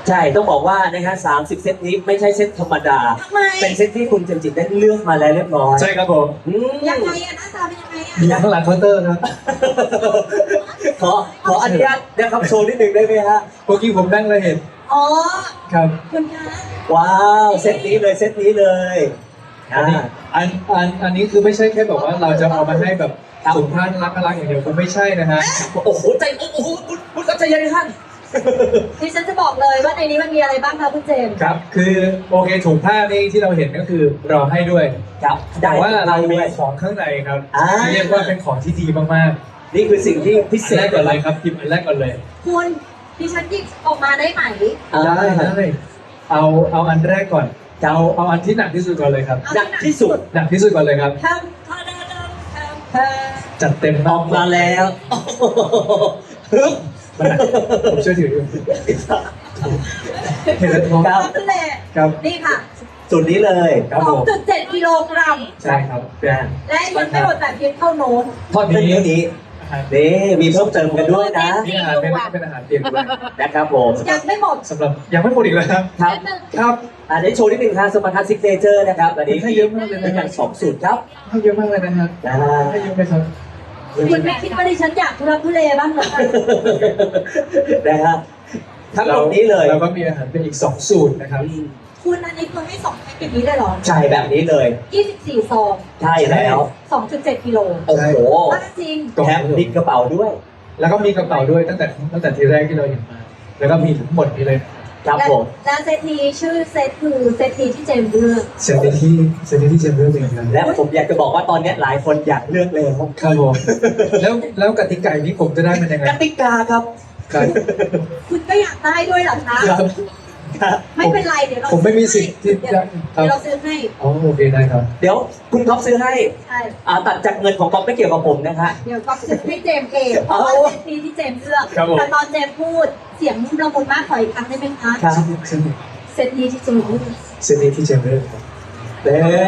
ใช่ต้องบอกว่านะฮะ30 เซตนี้ไม่ใช่เซตธรรมดาทำไมเป็นเซตที่คุณเจมส์จิตได้เลือกมาแล้วเรียบร้อยใช่ครับผมยังไงอะหน้าตาเป็นยังไงอะมีข้างหลังเคาน์เตอร์ครับขออนุญาตนะครับโชว์นิดนึงได้ไหมฮะเมื่อกี้ผมนั่งเลยเห็นอ๋อครับคุณคะว้าวเซตนี้เลยเซตนี้เลยอันนี้อันนี้คือไม่ใช่แค่แบบว่าเราจะเอามาให้แบบสุภาพน่ารักอย่างเดียวคือไม่ใช่นะฮะโอ้โหใจโอ้โหคุณใจเย็นท่านดิฉันจะบอกเลยว่าในนี้มันมีอะไรบ้างคะคุณเจมส์ครับคือโอเคถุงผ้านี่ที่เราเห็นก็คือเราให้ด้วยครับแต่ว่าเรามีด้วยของข้างในครับอ่าที่เรียกว่าเป็นของที่ดีมากนี่คือสิ่งที่พิๆเศอันแรษกก่อนเลยครับหยิบอันแรกก่อนเลยคุณดิฉันหยิบออกมาได้ไหมได้เอาอันแรกก่อนเอาอันที่หนักที่สุดก่อนเลยครับหนักที่สุดหนักที่สุดก่อนเลยครับทำทำทำจัดเต็มออกมาแล้วฮึบมันหนักผมช่วยถืออยู่เห็นแล้วท้องครับทำเลยครับนี่ค่ะส่วนนี้เลยครับผม 2.7 กิโลกรัมใช่ครับเป็นและยังไม่หมดแต่เพียงเท่าโน้นทอดเป็นเนื้อนี้อาหารนี่มีเพิ่มเติมกันด้วยนะนี่อาหารเป็นอาหารเปียกด้วยนะครับผมยังไม่หมดสำหรับยังไม่หมดอีกเลยครับครับครับได้โชว์นิดนึงครับสมรรถซิกเนเจอร์นะครับอันนี้ให้เยอะมากเลยนะเป็นอย่าง2 สูตรครับให้เยอะมากเลยนะครับนะให้เยอะไหมครับคุณไม่คิดว่าดิฉันอยากทุรักทุเลบ้างเหรอคะนะครับทั้งหมดนี้เลยเราก็มีอาหารเป็นอีก2สูตรนะครับคุณอันนี้คือให้2แพ็คอย่างนี้ได้เหรอใช่แบบนี้เลย 24 ซองใช่แล้ว 2.7 กิโลโอ้โหว่าจริงแถมติดกระเป๋าด้วยแล้วก็มีกระเป๋าด้วยตั้งแต่ทีแรกที่เราเห็นมา แล้วก็มีทั้งหมดนี้เลยครับและผมและเซตนี้ชื่อเซตคือเซตนี้ที่เจมส์เลือกเซนที่เจมส์เลือกเองครับและผมอยากจะบอกว่าตอนนี้หลายคนอยากเลือกเลยครับผมแล้วกติกานี้ผมจะได้มันยังไงกติกาครับครับคุณก็อยากได้ด้วยเหรอคะครับไม่เป็นไรเดี๋ยวเราผมไม่มีสิทธิ์ที่จะครัเดี๋บยวเราซื้อให้อ๋อโอเคได้ครับเดี๋ยวคุณท็อปซื้อให้ใช่ตัดจากเงินของก๊อฟไม่เกี่ยวกับผมนะคะเดี๋ยวก็ซื้อให้เจมส์เองเพราะว่าเซตนี้ที่เจมส์เลือกครับผมแต่ตอนเจมส์พูดเสียงละมุนมากขออีกครั้งได้ไหมคะครับเซตนี้ที่เจมส์เลือกเซนที่เจมส์เลือกครับเด้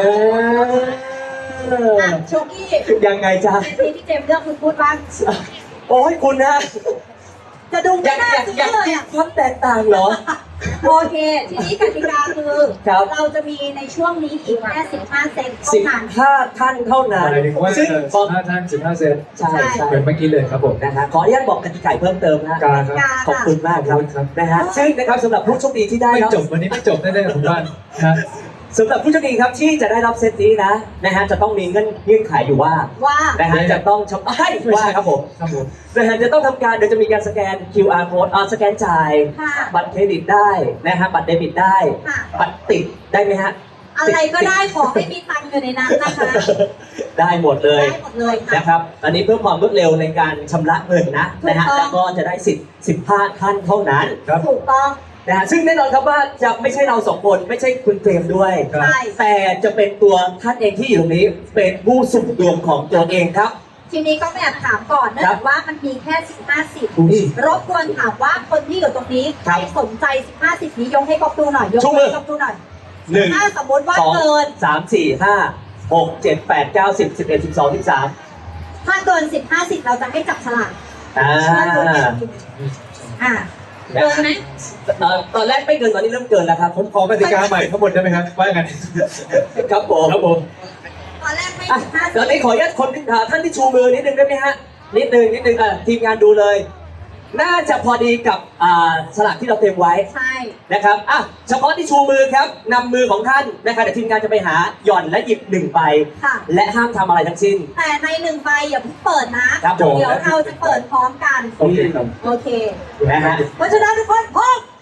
อ่ะโชกี้ยังไงจ๊ะเซตนี้ที่เจมส์เลือกคุณพูดบ้างโอ้ยคุณนะจะดูอไม่ยากน่าอยากซื้ออยากเลยมีอ่ะความแตกต่างเหรอโอเค ทีนี้กติกาคือครับเราจะมีในช่วงนี้อีกแค่15 เซตเท่านั้น 15 ท่านเท่านั้นหมายถึงว่าซึ่งขอ 15 ท่าน 15 เซนใช่ใช่เหมือนเมื่อกี้เลยครับผมนะฮะขออนุญาตบอกกติกาเพิ่มเติมนะการครับขอบคุณมากครับครับนะฮะซึ่งนะครับสำหรับผู้โชคดีที่ได้ไม่รับจบวันนี้ไม่จบแน่ๆผมว่านะสำหรับผู้โชคดีครับที่จะได้รับเซตนี้นะฮะจะต้องมีเงื่อนไขอยู่ว่าว่านะฮะจะต้องว่าครับผมครับผมนะฮะจะต้องทำการเดี๋ยวจะมีการสแกน QR code สแกนจ่ายค่ะบัตรเครดิตได้นะฮะบัตรเดบิตได้ค่ะบัตรติดได้ไหมฮะอะไรก็ได้ขอให้มีตังค์อยู่ในนั้นนะคะได้หมดเลยได้หมดเลยค่ะนะครับอันนี้เพื่อความรวดเร็วในการชำระเงินนะฮะถูกต้องแล้วก็จะได้สิทธิ์15 ท่านเท่านั้นครับถูกต้องนะฮะซึ่งแน่นอนครับว่าจะไม่ใช่เรา2 คนไม่ใช่คุณเจมส์ด้วยครับใช่แต่จะเป็นตัวท่านเองที่อยู่ตรงนี้เป็นผู้สุ่มดวงของตัวเองครับทีนี้ก็แอบถามก่อนเนื่องจากว่ามันมีแค่15 สิทธิ์รบกวนถามว่าคนที่อยู่ตรงนี้ใครสนใจ15 สิทธิ์นี้ยกให้ก๊อฟดูหน่อยยกชูมือให้ก๊อฟดูหน่อย 1 ถ้าสมมติว่า 2 เกิน 3 4 5 6 7 8 9 10 11 12 13 ถ้าเกิน15 สิทธิ์เราจะให้จับฉลากอ่าอ่าเกินไหมตอนแรกไม่เกินตอนนี้เริ่มเกินแล้วครับผมขอกติกาใหม่ทั้งหมดได้ไหมครับว่าไงครับผมครับผมตอนแรกไม่อ่ะ 15 ตอนนี้ขออนุญาตคนท่านที่ชูมือนิดนึงได้ไหมฮะนิดนึงทีมงานดูเลย น่าจะพอดีกับสลากที่เราเตรียมไว้ใช่นะครับอ่ะเฉพาะที่ชูมือครับนำมือของท่านนะครับเดี๋ยวทีมงานจะไปหาหย่อนและหยิบ1 ใบค่ะและห้ามทำอะไรทั้งสิ้นแต่ใน1 ใบอย่าเพิ่งเปิดนะครับผมเดี๋ยวเราจะเปิดพร้อมกันโอเคครับโอเคนะฮะเพราะฉะนั้นทุกคนพร้อม